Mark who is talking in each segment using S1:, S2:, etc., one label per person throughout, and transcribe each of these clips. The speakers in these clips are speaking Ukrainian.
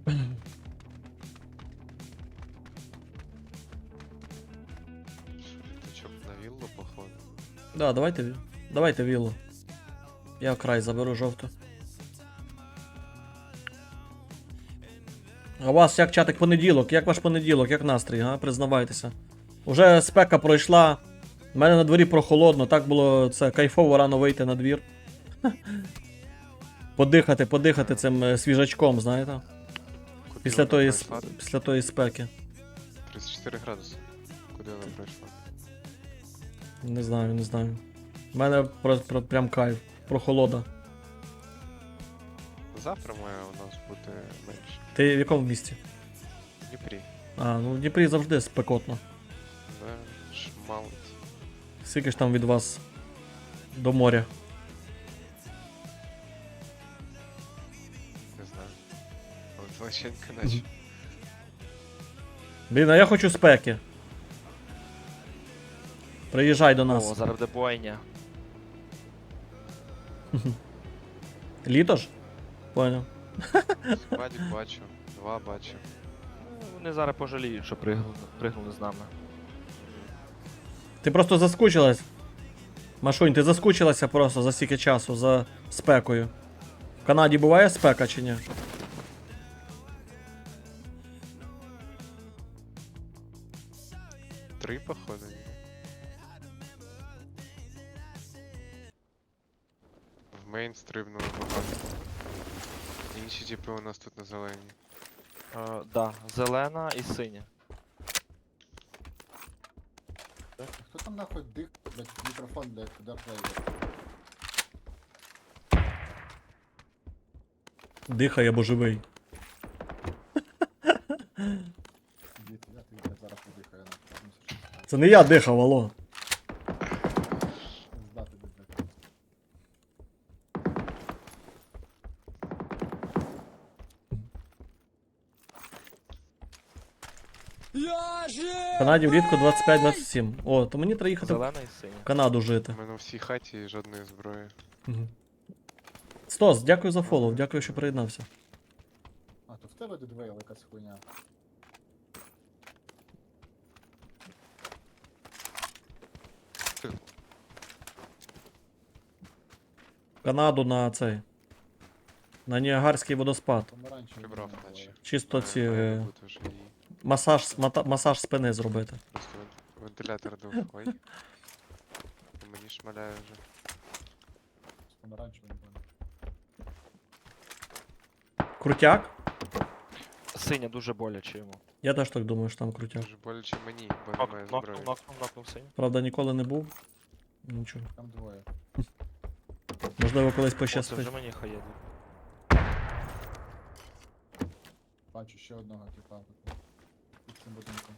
S1: Літачок на віллу, походу.
S2: Да, давайте віллу. Я край заберу жовту. А у вас як чатик понеділок? Як ваш понеділок? Як настрій, а? Признавайтеся. Уже спека пройшла. У мене на дворі прохолодно, так було це кайфово рано вийти на двір. Подихати цим свіжачком, знаєте?
S1: Куди
S2: Після
S1: вона
S2: тої,
S1: пройшла?
S2: після тої спеки.
S1: 34 градуси. Куди вона пройшла?
S2: Не знаю. У мене прям кайф. Прохолода.
S1: Завтра має у нас бути менше.
S2: Ти в якому місті?
S1: В Дніпрі.
S2: А, ну в Дніпрі завжди спекотно.
S1: Да, шмалить.
S2: Скільки ж там від вас до моря?
S1: Не знаю. Але злочинка наче.
S2: Блін, а я хочу спеки. Приїжджай до нас.
S3: О, зараз буде бойня.
S2: Літо ж? Понял.
S1: Складик бачу, 2 бачу.
S3: Ну, вони зараз пожаліють, що пригнули з нами.
S2: Ти просто заскучилась. Машунь, ти заскучилася просто за стільки часу, за спекою. В Канаді буває спека чи ні?
S1: Три, походу. Ні. В мейн стрибнули багато. Інші типи у нас тут на зелені.
S3: Да, зелена і синя.
S4: Хто там нахуй дих, блядь, мікрофон, блядь, куди плеєр?
S2: Дихає, бо живий.
S4: Дід, я тобі, блядь, зараз подихаю нахуй.
S2: Це не я дихав, алло.
S4: Здати, блядь.
S2: В Канаді влітку 25-27. О, то мені треба їхати в
S3: Зелена і синя.
S2: Канаду жити.
S1: У мене у всій хаті жодної зброї.
S2: Мгм. Стос, дякую за фоллоу, дякую, що приєднався.
S4: А, то в тебе дедвейл якась хуйня.
S2: Канаду на цей. На Ніагарський водоспад.
S4: Помаранчевий.
S1: Прибрав
S4: не
S1: наче.
S4: буває.
S2: Чисто ці
S1: Бути вже її.
S2: масаж спини зробити.
S1: Просто вентилятор дув. Ой. По мені шмаляє вже.
S4: З помаранчевим, напевно.
S2: Крутяк?
S3: Синя дуже боляче йому.
S2: Я теж так думаю, що там крутяк.
S1: Дуже боляче мені, бо немає зброї.
S3: Нокнув синю.
S2: Правда, ніколи не був. Нічого.
S4: Там двоє.
S2: Можливо, колись
S3: О, це
S2: пощастить.
S3: вже мені хаєду.
S4: Бачу ще одного типа тут. Під цим будинком.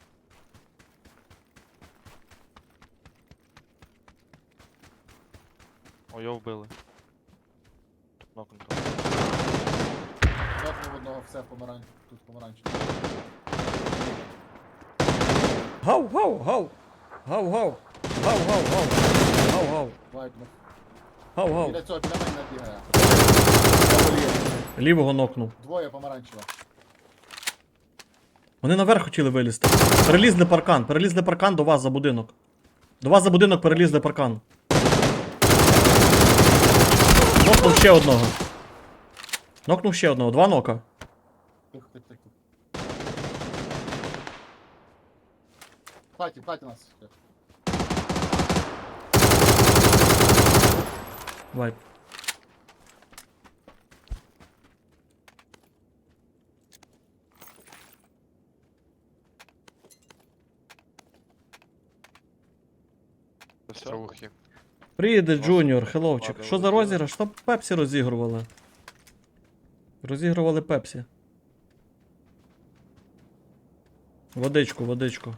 S3: О, його вбили. Нокнуто.
S4: Нокнув одного, все тут помаранчевий.
S2: Гав, гав, гав! Гав, гав! Гав, гав, гав! Гав, гав!
S4: Вайпнув.
S2: Гав, гав!
S4: Біля цього, біля мене бігає.
S2: Лівого нокнув.
S4: Двоє помаранчево.
S2: Вони наверх хотіли вилізти. Перелізли паркан до вас за будинок. До вас за будинок перелізли паркан. Нокнув ще одного. Нокнув ще одного. 2 нока.
S4: Тихо, тихо, тихо. Платі нас.
S2: Вайп.
S3: Все.
S1: Рухи.
S2: Приїде Джуніор, хеловчик.
S3: Ладно,
S2: Що за
S3: влетіло.
S2: розіграш? Що Пепсі розігрували? Розігрували Пепсі. Водичку, водичку.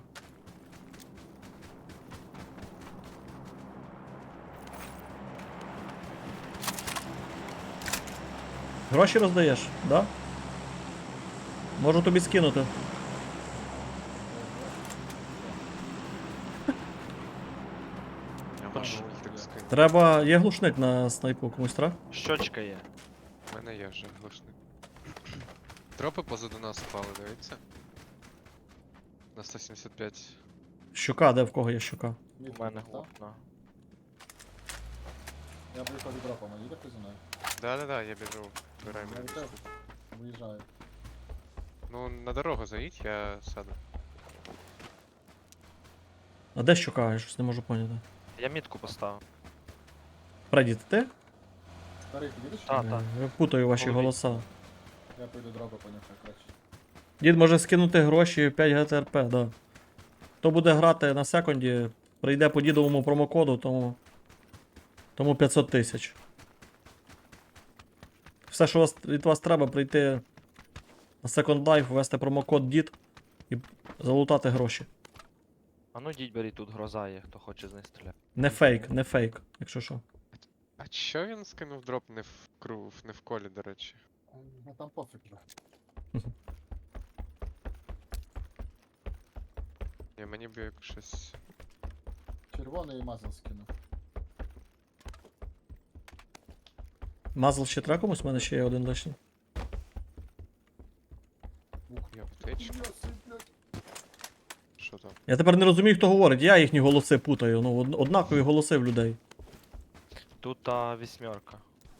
S2: Гроші роздаєш, да? Можу тобі скинути.
S1: Я можу так скинути.
S2: Треба. Є глушник на снайпу, комусь треба?
S3: Щочка є.
S1: У мене є вже глушник. Дропи позаду нас впали, дивіться. На 175.
S2: Щука, де в кого є щука?
S3: У мене
S4: так?
S3: одна.
S4: Я приїхав від дропа, їде хтось зі мною?
S1: Да-да-да, я біжу. Збирай
S4: Я
S1: мене.
S4: від тебе виїжджаю.
S1: Ну, на дорогу заїдь, я сяду.
S2: А де щука? Я щось не можу поняти.
S3: Я мітку поставив.
S2: Фредді, це ти?
S4: Старий, ти їдеш?
S3: Так, так.
S2: Я путаю ваші
S3: Голові.
S2: голоса.
S4: Я пойду дропа понюхаю краще.
S2: Дід може скинути гроші 5 ГТРП, да. Хто буде грати на секунді, прийде по дідовому промокоду, тому 500 тисяч. Все, що від вас треба, прийти на Second Life, ввести промокод DID і залутати гроші.
S3: А ну дідь беріть, тут гроза є, хто хоче з неї стріляти.
S2: Не фейк, якщо що.
S1: А чо він скинув дроп не в не в колі, до речі?
S4: Ну там пофіг вже.
S1: Ні, мені б як щось.
S4: Червоний мазал скину.
S2: Мазл ще треба комусь? У мене ще є один лишній.
S1: Я аптечку. Що там?
S2: Я тепер не розумію, хто говорить, я їхні голоси путаю. Ну, однакові голоси в людей.
S3: Тут та вісьмерка.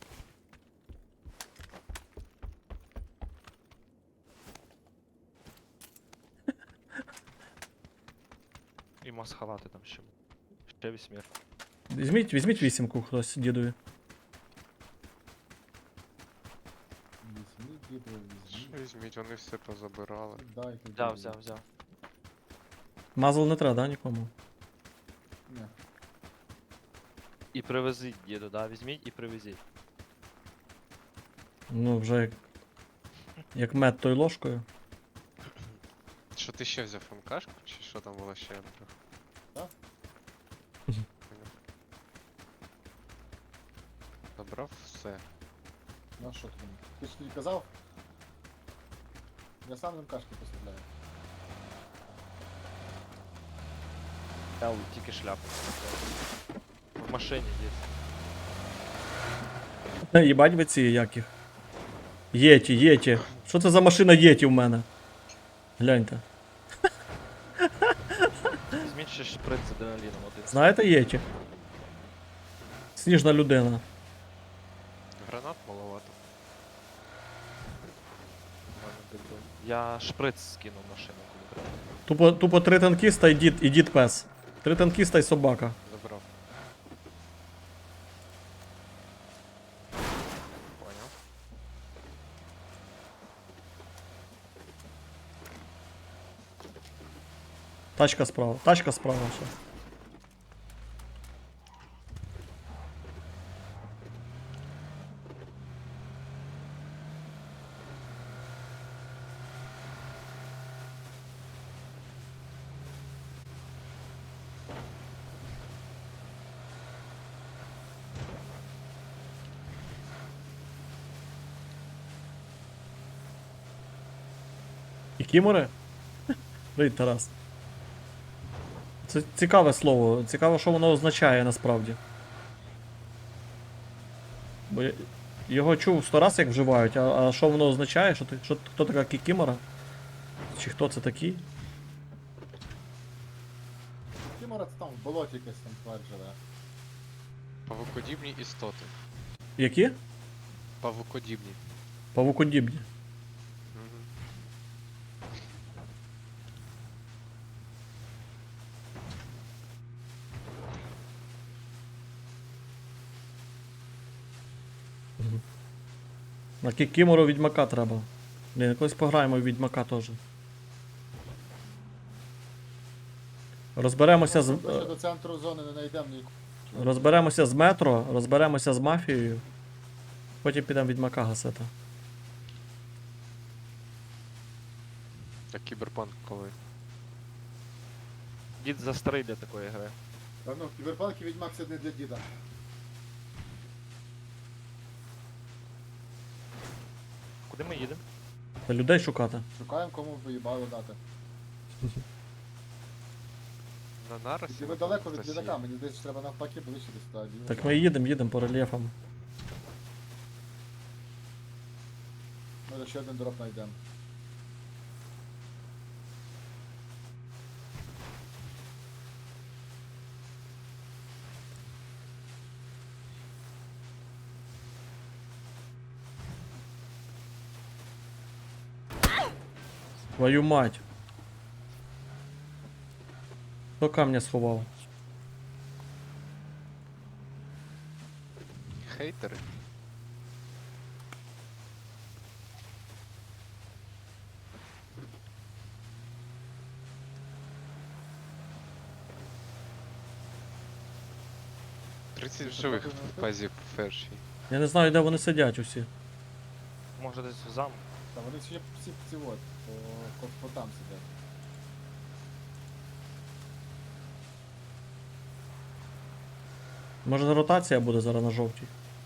S3: І масхалати там ще. Ще вісьмерка.
S2: Візьміть вісімку хтось дідові.
S4: Візьміть, діду,
S1: Що
S4: візьміть.
S1: візьміть, вони все позабирали.
S4: Дайте.
S3: Взяв.
S2: Мазл не треба, да, нікому?
S4: Ні.
S3: І привезіть, діду, да? Візьміть і привезіть.
S2: Ну, вже як мед той ложкою.
S1: Що ти ще взяв МКшку, чи що там було ще? Андрюх?
S4: Так.
S1: Поняв. Забрав все.
S4: Ну а що ти мені? Ти ж не казав? Я сам МКшки поставляю.
S3: Я тільки шляпу. В машині, дід.
S2: Їбать ви ці яких. Єті. Що це за машина Єті в мене? Гляньте.
S3: Візьміть ще шприц з адреналіном один.
S2: Знаєте Єті? Сніжна людина.
S1: Гранат маловато.
S3: Я шприц скинув в машину, коли треба.
S2: Тупо 3 танкіста і дід пес. 3 танкіста і собака.
S1: Забрав. Поняв.
S2: Тачка справа ще. Кікімори? Привіт, Тарас. Це цікаве слово. Цікаво, що воно означає насправді. Бо я його чув 100 раз, як вживають, а що воно означає? Хто така кікімора? Чи хто це такий?
S4: Кімора це там в болоті якась там тварь живе.
S1: Павукодібні істоти.
S2: Які?
S1: Павукодібні.
S2: Павукодібні.
S1: Мгм.
S2: На кікімору відьмака треба. Блін, якось пограємо в відьмака теж. Розберемося з.
S4: Ми ще до центру зони не знайдемо ні.
S2: Розберемося з метро, розберемося з мафією. Потім підемо відьмака гасити.
S1: А кіберпанк коли?
S3: Дід застарий для такої гри.
S4: Та ну, кіберпанк і відьмак це не для діда.
S3: Куди ми їдемо?
S2: Та людей шукати.
S4: Шукаємо кому виїбало дати.
S1: На наросі?
S4: І ви далеко від літака, мені десь треба навпаки ближче до стадії.
S2: Так ми їдемо по рельєфам.
S4: Ми ще один дроп знайдемо.
S2: Твою мать. Хто камня сховав?
S1: Хейтери. Тридцять живих в базі першій.
S2: Я не знаю, де вони сидять усі.
S3: Може десь в замку.
S4: Та вони ще всі ці от, по там сидять.
S2: Може ротація буде зараз на жовтій.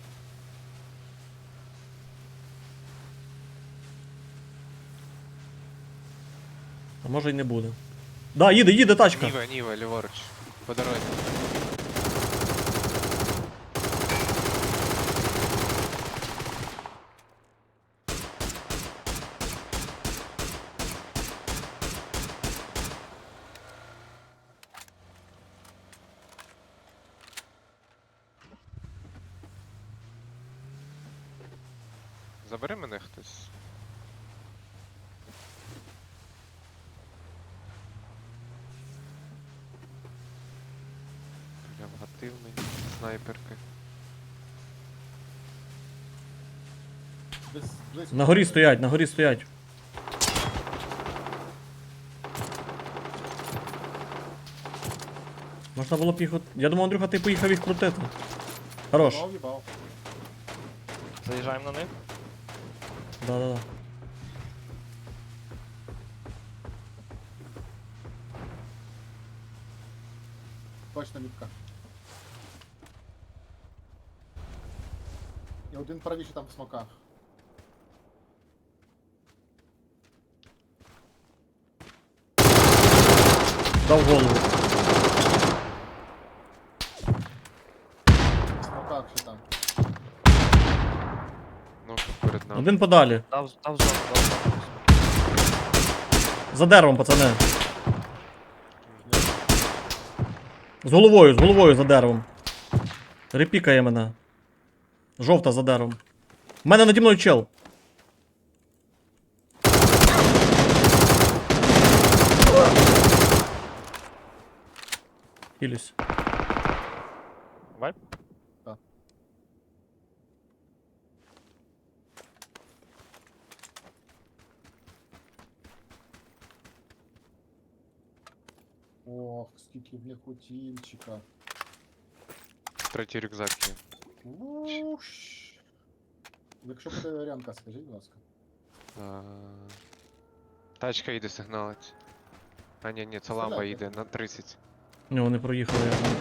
S2: А може й не буде. Да, їде тачка.
S1: Ніва, ліворуч. По дорозі. Забери мене хтось. Прям гативний, снайперки.
S4: Десь близько.
S2: На горі стоять, на горі стоять. Можна було б їх. Я думав, Андрюха, ти поїхав їх крутити. Хорош.
S4: Їбав, їбав.
S3: Заїжджаємо на них.
S2: Да-да-да.
S4: Точно мітка. І один правіше там в смоках.
S2: Дав голову.
S4: В смоках ще там.
S1: Ну, перед нами.
S2: Один подалі.
S3: Дав зону, дав зону.
S2: За деревом, пацани. З головою за деревом. Репікає мене. Жовта за деревом. У мене наді мною чел. Хілюсь.
S3: Вайп?
S4: Ох, скільки в них утімчика.
S1: Третій рюкзак є.
S4: Уш. Якщо буде ремка, скажіть, будь ласка.
S1: А, Тачка їде сигналить. А ні, це ламба
S4: Стріляйте.
S1: їде на 30.
S2: Ні, вони проїхали.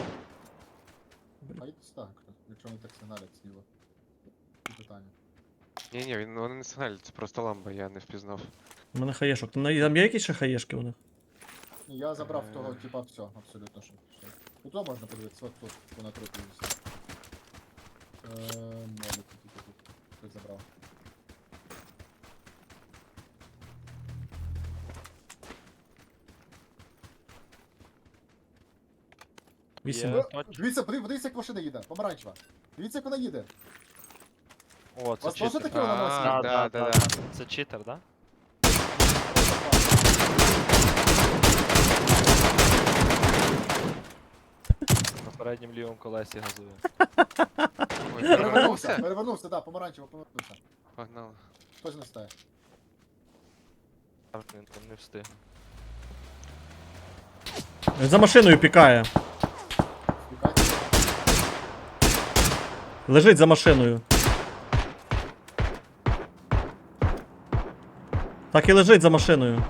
S4: А йдуть так, якщо вони так сигналять зліва. І питання.
S1: Ні, вони не сигналять, це просто ламба, я не впізнав.
S2: У мене хаєшок. Там є якісь ще хаєшки у них?
S4: Ні, я забрав того, типа, все, абсолютно що. Тут можна подивитися, от тут, по натрупі все. Молі тут. Хтось забрав.
S2: Вісім.
S3: Є.
S4: Дивіться, як машина їде, помаранчева. Дивіться, як вона їде.
S3: О, це
S4: Вас теж
S3: читер.
S4: таке вона
S1: А,
S4: носить?
S1: да.
S3: Це читер, да? На переднім лівому колесі газує.
S1: Ой, перевернувся?
S4: Перевернувся, да, помаранчево, повернувся.
S1: Погнали.
S4: Хтось не стає.
S3: Так, він там не встиг.
S2: Він за машиною пікає.
S4: Втікайте.
S2: Лежить за машиною. Так і лежить за машиною.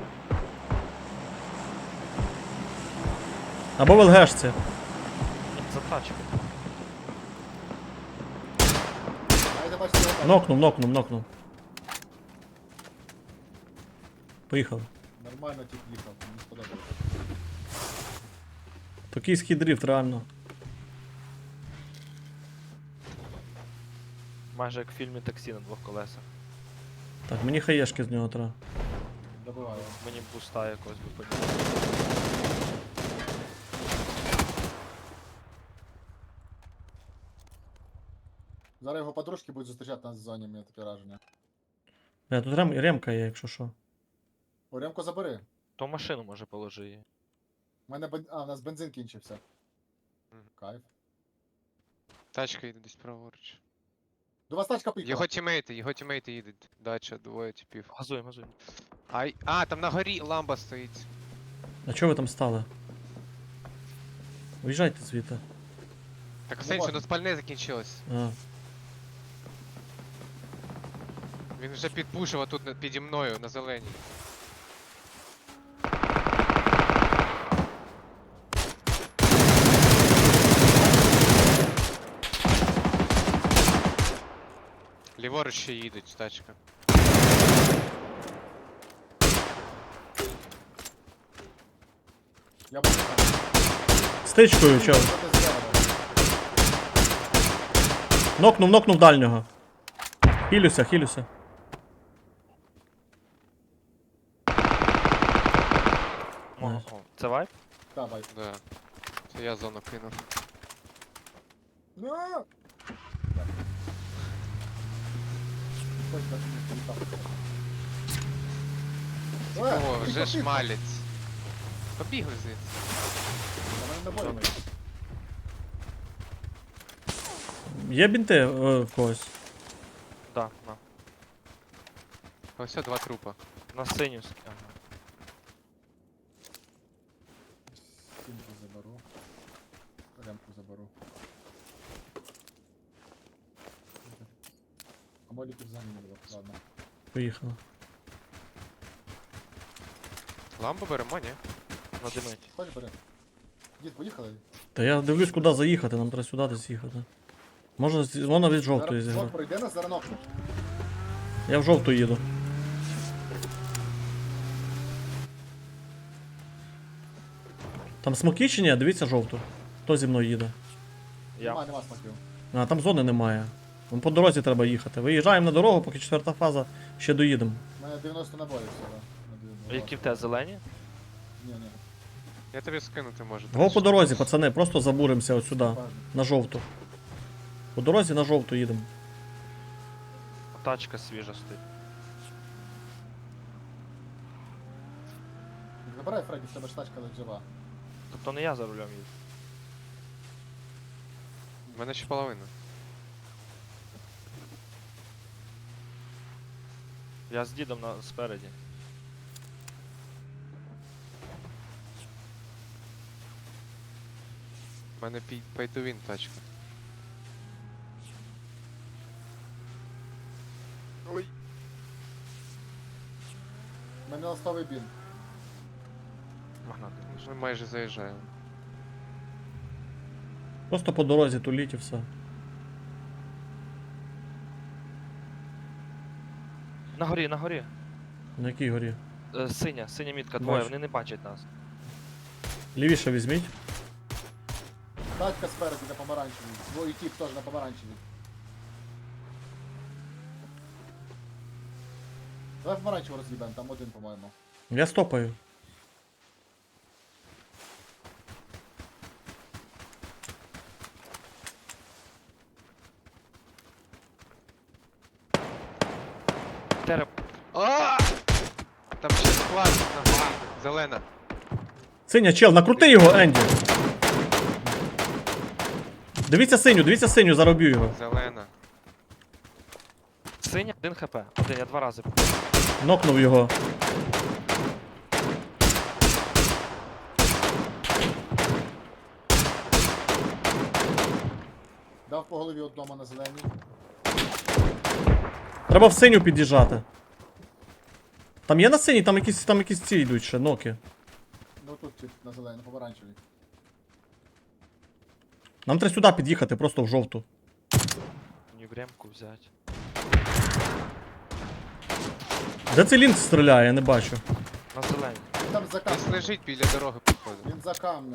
S2: Або в ЛГшці.
S3: За тачку.
S4: Айде, бачите, його.
S2: Нокнув. Поїхали.
S4: Нормально тип їхав, мені сподобалося.
S2: Токійський дріфт, реально.
S3: Майже як в фільмі таксі на двох колесах.
S2: Так, мені хаєшки з нього треба.
S4: Добиваю.
S3: Мені б буста якогось би подібне.
S4: Зараз його подружки будуть зустрічати нас в зоні, мені таке враження.
S2: Тут ремка є, якщо що.
S4: О, ремку забери.
S3: То машину може положи її.
S4: У нас бензин кінчився.
S1: Мгм.
S4: Кайф.
S1: Тачка їде десь праворуч.
S4: До вас тачка поїхала.
S1: Його тімейти їдуть. Дача, двоє типів.
S3: Газуємо, газуємо.
S1: Ай. А, там на горі ламба стоїть.
S2: А чого ви там стали? Уїжджайте звідти.
S1: Так,
S4: Ну,
S1: Сенсі,
S4: ладно.
S1: ну спальне закінчилось.
S2: А.
S1: Він вже підпушив тут піді мною на зеленій. Ліворуч ще їдуть, тачка.
S4: Я буду там.
S2: Стичкою, чел. Нокнув дальнього. Хілюся. Найс.
S3: О, це вайп?
S4: Давай.
S1: Да. Це я зону кинув.
S4: Ну! Так. Ой, так, не так.
S1: О, вже
S4: тихо, тихо.
S1: шмалець. Побігли звідси.
S4: На мене набої.
S2: Є бінти в когось?
S3: Да, на.
S1: Ось два трупа.
S3: На синю. Ага.
S4: Сімку заберу. Ремку заберу. А моліків за ними було. Ладно.
S2: Поїхали.
S1: Ламбу беремо, ні?
S3: Надимить.
S4: Хоч бери. Дід, поїхали.
S2: Та я дивлюсь, куди заїхати, нам треба сюди десь їхати. Може, вона від жовтої
S4: Зараз
S2: зіграти.
S4: пройде нас, зараз нокнуть.
S2: Я в жовту їду. Там смоки чи ні? Дивіться жовту. Хто зі мною їде?
S3: Я.
S4: Нема смаків.
S2: А, там зони немає. Вон по дорозі треба їхати. Виїжджаємо на дорогу, поки четверта фаза, ще доїдемо.
S4: У мене 90 набоїв всього.
S3: А які в тебе зелені?
S4: Ні.
S1: Я тобі скинути можу.
S2: Го по дорозі, пацани, просто забуримося от сюди,
S4: Важно.
S2: на жовту. По дорозі на жовту їдемо.
S3: Тачка свіжа стоїть.
S4: Забирай, Фредді, в тебе ж тачка ледь жива.
S3: Тобто не я за рулем їду.
S1: У мене ще половина.
S3: Я з дідом спереді.
S1: У мене пейтувін тачка. Ой.
S4: У мене ластовий бін.
S3: Магнат.
S1: Ми майже заїжджаємо.
S2: Просто по дорозі туліть і все.
S3: На горі, на горі.
S2: На якій горі?
S3: Синя мітка, двоє,
S2: Бачу.
S3: вони не бачать нас.
S2: Лівіше візьміть.
S4: Тачка спереду на помаранчевій. Твій тіп теж на помаранчевій. Давай помаранчеву роз'їбемо, там один, по-моєму.
S2: Я стопаю.
S3: Тереп.
S1: А! Там ще склад на горі. Зелена.
S2: Синя, чел, накрути його, Енді. Дивіться синю, зароб'ю його.
S1: Зелена.
S3: Синя, 1 хп. Один, я 2 рази.
S2: Нокнув його.
S4: Дав по голові одному на зеленій.
S2: Треба в синю під'їжджати. Там є на синій, там якісь ці йдуть ще, ноки.
S4: Ну тут тип на зеленій, на помаранчевій.
S2: Нам треба сюди під'їхати, просто в жовту.
S3: Мені в ремку взяти.
S2: Де цей лінк стріляє, я не бачу.
S3: На зелені.
S4: Він там за
S1: Десь
S4: камнем.
S1: лежить біля дороги, походу.
S4: Він за камнем.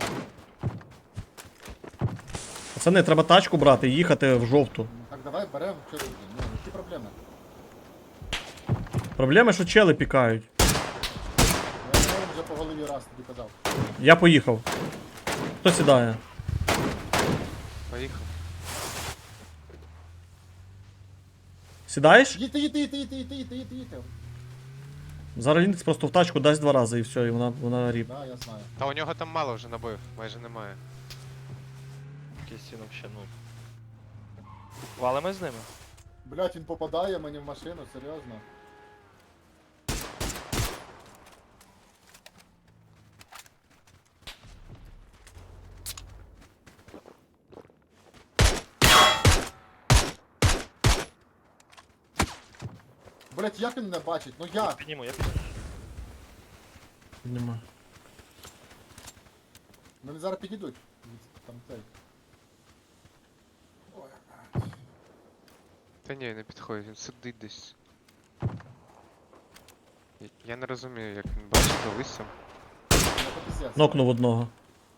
S2: Пацани, треба тачку брати і їхати в жовту.
S4: Так, давай беремо. Що тут? Ну, які проблеми?
S2: Проблема, що чели пікають.
S4: Я йому вже по голові раз тобі казав.
S2: Я поїхав. Хто сідає?
S1: Поїхав.
S2: Сідаєш?
S4: Їдьте.
S2: Зараз Лінкс просто в тачку дасть 2 рази і все, і вона ріп.
S4: Да, я знаю.
S1: Та у нього там мало вже набоїв, майже немає.
S3: Якийсь він вообще, ну. Валимо з ними?
S4: Блять, він попадає мені в машину, серйозно. Блять, як він не бачить? Ну
S3: Я
S4: як?
S3: підніму, я підніму.
S2: Нема.
S4: Вони зараз підійдуть. Там цей. Ой,
S1: Та ні, не підходить, він сидить десь. Я не розумію, як він бачить за листям.
S4: ну пиздець.
S2: Нокнув одного.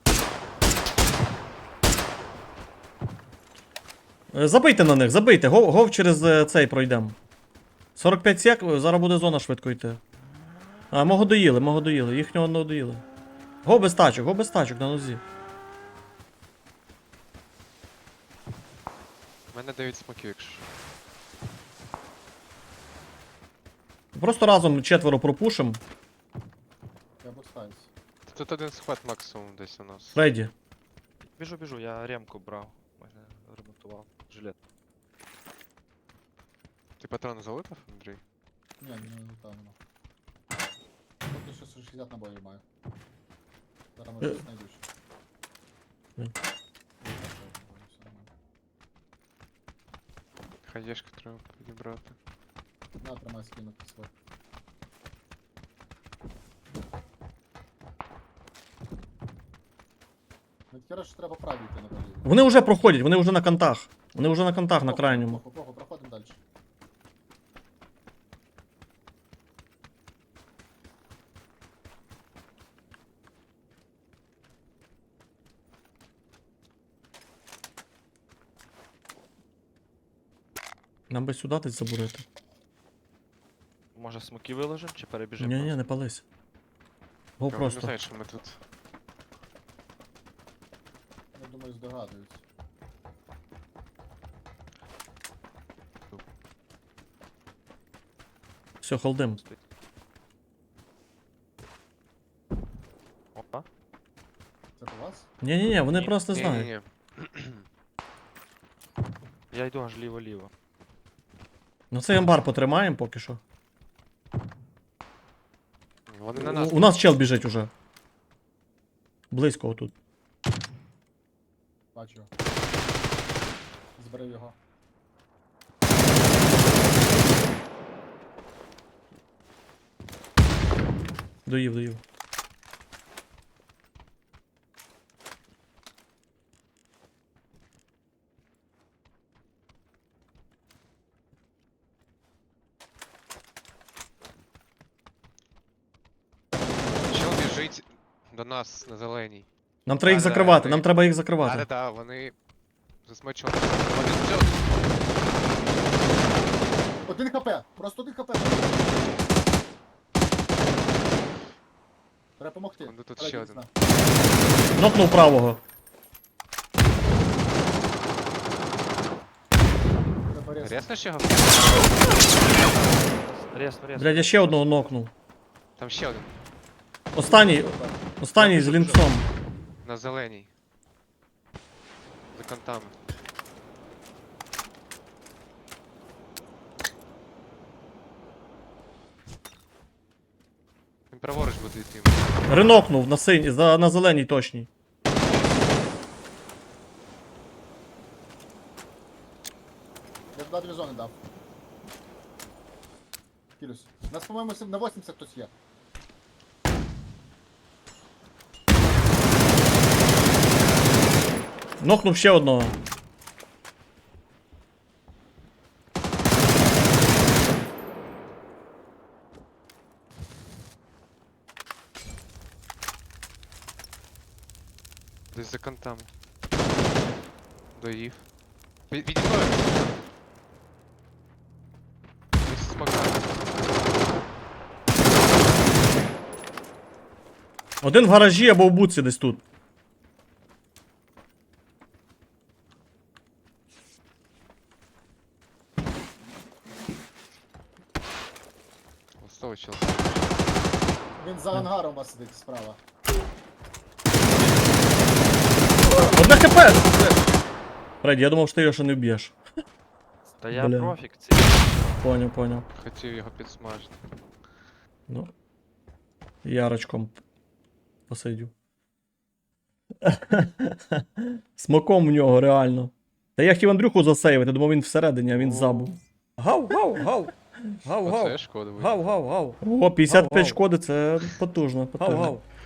S2: Забийте на них, забийте. Гов через цей пройдемо. 45 сек, зараз буде зона швидко йти. А, мого доїли. Їхнього не доїли. Го без тачок на нозі.
S1: У мене 9 смоків, якщо що.
S2: Просто разом 4 пропушим.
S4: Я бустаюсь.
S1: Тут один схват максимум десь у нас.
S2: Фредді.
S3: Біжу, я ремку брав. Мене ремонтував. Жилет.
S1: Ти патрони залутав, Андрій?
S4: Ні, не там воно. Поки що 60 набоїв маю. Зараз може щось знайду ще.
S2: Ні.
S1: Хаєшку треба підібрати.
S4: На, тримай скинути свой. Ну, хера ж треба праві йти на болі.
S2: Вони вже проходять, вони вже на кантах. Вони вже на кантах на крайньому.
S4: Похуй, проходимо далі.
S2: Нам би сюди десь забурити.
S3: Може смоки виложимо чи перебіжимо?
S2: Ні, не пались. Го
S1: Я не
S2: просто.
S1: знаю, що ми тут.
S4: Я думаю, здогадуюсь.
S2: Все, холдим.
S3: Опа.
S4: Це по вас?
S2: Ні, вони
S3: Ні.
S2: просто не знають.
S1: Ні-ні-ні.
S3: Я йду аж ліво-ліво.
S2: Ну цей амбар потримаємо поки що.
S1: Вони на нас.
S2: У нас чел біжить уже. Близько отут.
S4: Бачу. Зберив його.
S2: Доїв.
S1: Чел біжить до нас на зеленій.
S2: Нам треба їх
S1: Да,
S2: закривати,
S1: ми-
S2: нам треба їх закривати.
S1: Да, вони засмочили. Один чел.
S4: Один хп! Просто один хп! Треба помогти.
S1: Ну, тут
S4: Треба
S1: ще
S4: дійсно.
S2: Нокнув правого.
S4: Треба резко.
S1: Рясно ще його?
S3: Ресно.
S2: Блядь, я ще одного нокнув.
S1: Там ще один.
S2: Останній з лінксом.
S1: На зеленій. За кантами. Він праворуч буде йти.
S2: Ренокнув на синій, на зеленій точній.
S4: Я туди 2 зони дав. Кілюсь. У нас, по-моєму, на 80 хтось є.
S2: Нокнув ще одного.
S1: Десь за кантами. Доїв. Відійдою! Десь смока.
S2: Один в гаражі або в буці десь тут.
S1: Листовий чел.
S4: Він за ангаром у вас сидить справа.
S2: Одне хп! Фредді, я думав, що ти його ще не вб'єш.
S3: Та я
S2: Бля.
S3: профік ці.
S2: Поняв.
S1: Хотів його підсмажити.
S2: Ну. Ярочком посидю. Смоком в нього, реально. Та я хотів Андрюху засейвити, думав він всередині, а він забув. Гав.
S1: Оце шкода буде.
S2: О, 55 шкоди, це потужно.